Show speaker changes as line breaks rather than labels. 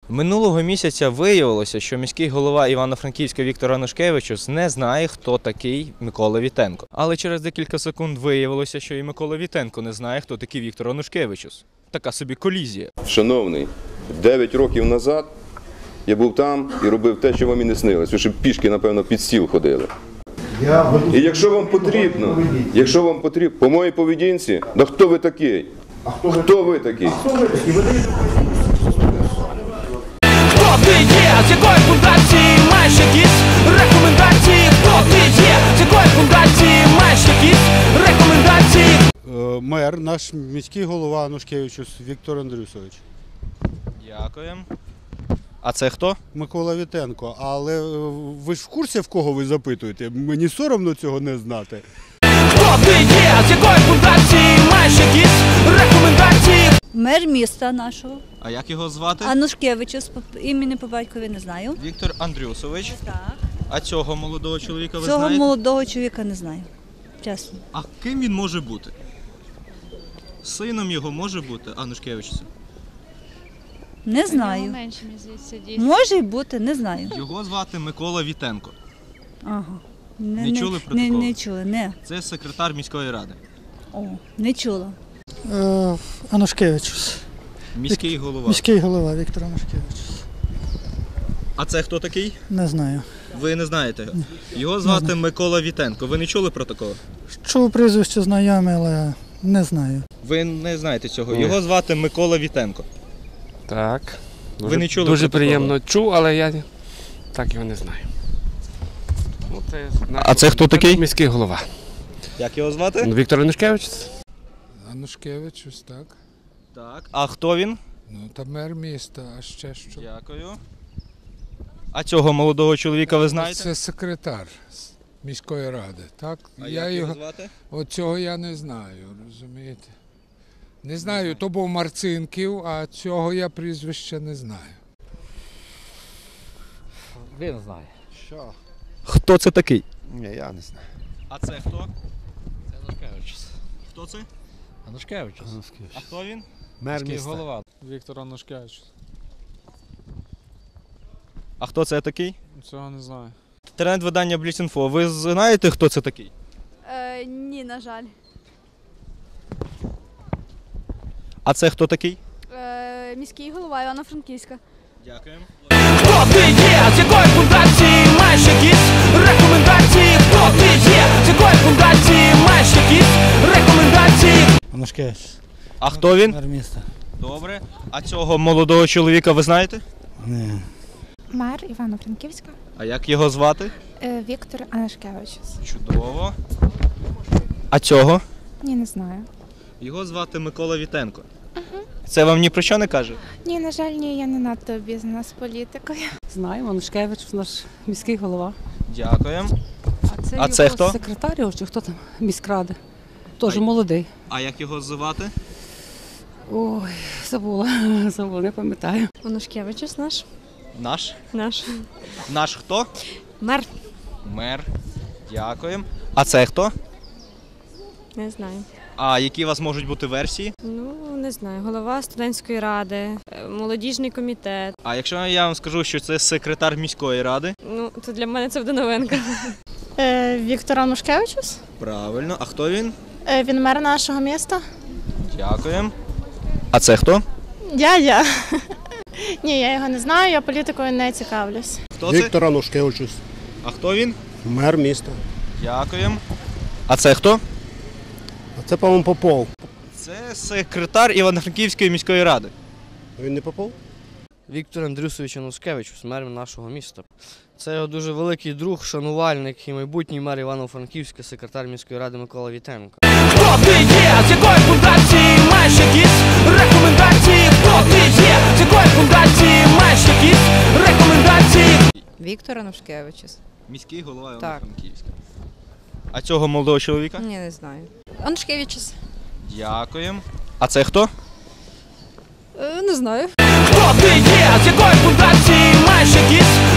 Минулого місяця виявилося, що міський голова Івано-Франківська Віктор Анушкевичус не знає, хто такий Микола Вітенко. Але через декілька секунд виявилося, що і Микола Вітенко не знає, хто такий Віктор Анушкевичус. Така собі колізія.
Шановний, 9 років назад я був там і робив те, що вам і не снилось. Ви ще пішки, напевно, під стіл ходили. І якщо вам потрібно, по моїй поведінці, да хто ви такий? Хто ви такий?
Хто ти є? З якої фундації маєш якісь рекомендації? Хто ти є? З якої фундації маєш якісь рекомендації?
Мер, наш міський голова Анушкевичус Віктор Андрюсович.
Дякуємо. А це хто?
Микола Вітенко. Але ви ж в курсі, в кого ви запитуєте? Мені соромно цього не знати.
Хто ти є? З якої фундації маєш якісь рекомендації?
Мер міста нашого.
А як його звати?
Анушкевичус, імені по батькові не знаю.
Віктор Андрюсович.
Так.
А цього молодого чоловіка ви
Цього
знаєте?
молодого чоловіка не знаю. Чесно.
А ким він може бути? Сином його може бути Анушкевичуса?
Не знаю. Може й бути, не знаю.
Його звати Микола Вітенко.
Ага.
Не чули про такого?
Не чула, не.
Це секретар міської ради.
О, не чула.
Анушкевичус.
Міський голова.
Міський голова Віктор Анушкевичус.
А це хто такий?
Не знаю.
Ви не знаєте його? Його звати Микола Вітенко. Ви не чули про такого?
Чув прізвище знайоме, але не знаю.
Ви не знаєте цього. Його звати Микола Вітенко.
Так.
Ви не чули
Дуже
про
приємно чув, але я так його не знаю. Ну,
А це хто такий?
Міський голова.
Як його звати?
Віктор Анушкевич.
Анушкевичус, так.
Так. А хто він?
Ну, та мер міста, а ще що?
Дякую. А цього молодого чоловіка ви знаєте?
Це секретар міської ради, так?
А як його звати?
От цього я не знаю, розумієте? Не знаю, то був Марцинків, а цього я прізвища не знаю.
Він знає.
Що?
Хто це такий?
Ні, я не знаю.
А це хто?
Це Анушкевичус.
Хто це?
Анушкевичус.
А хто він?
Мер
Міський
міста.
голова.
Віктор Анушкевичус.
А хто це такий?
Цього не знаю.
Інтернет-видання Бліц.Інфо. Ви знаєте, хто це такий?
Ні, на жаль.
А це хто такий?
Міський голова Івано-Франківська.
Дякуємо.
Хто ти є? З якої фундації маєш якісь рекомендації? Хто ти є? З якої фундації маєш якісь рекомендації?
Анушкевичус.
А хто він?
Мер міста.
Добре. А цього молодого чоловіка ви знаєте?
Ні.
Мер Івано-Франківська.
А як його звати?
Віктор Анушкевичус.
Чудово. А цього?
Ні, не знаю.
Його звати Микола Вітенко. Це вам ні про що не каже?
Ні, на жаль, ні, я не надто обізнана з політикою.
Знаю, Анушкевич, наш міський голова.
Дякуємо.
А
це
його
хто?
Секретар його, чи хто там? Міськради. Теж
А-
молодий.
А як його звати?
Ой, забула, не пам'ятаю.
Анушкевичус наш.
Наш?
Наш.
Наш хто?
Мер.
Мер. Дякуємо. А це хто?
Не знаю.
А які у вас можуть бути версії?
Ну, не знаю. Голова студентської ради, молодіжний комітет.
А якщо я вам скажу, що це секретар міської ради?
Ну, то для мене це буде новинка.
Віктор Анушкевичус.
Правильно. А хто він?
Він мер нашого міста.
Дякуємо. А це хто?
Я. Ні, я його не знаю, я політикою не цікавлюсь.
Хто це?
Віктор Анушкевичус.
А хто він?
Мер міста.
Дякуємо. А це хто?
А це, по-моєму, Попов.
Це секретар Івано-Франківської міської ради.
Він не Попов?
Віктор Андрюсович Анушкевичус, мер нашого міста. Це його дуже великий друг, шанувальник і майбутній мер Івано-Франківська, секретар міської ради Микола Вітенко.
Хто ти є? З якої фундації маєш якісь рекомендації? Хто ти є? З якої фундації маєш якісь рекомендації?
Віктор Анушкевичус.
Міський голова
Так.
Івано-Франківська. А цього молодого чоловіка?
Ні, не знаю.
Анушкевичус.
Дякуємо. А це хто?
Не знаю.
Хто ти є? З якої фундації маєш якісь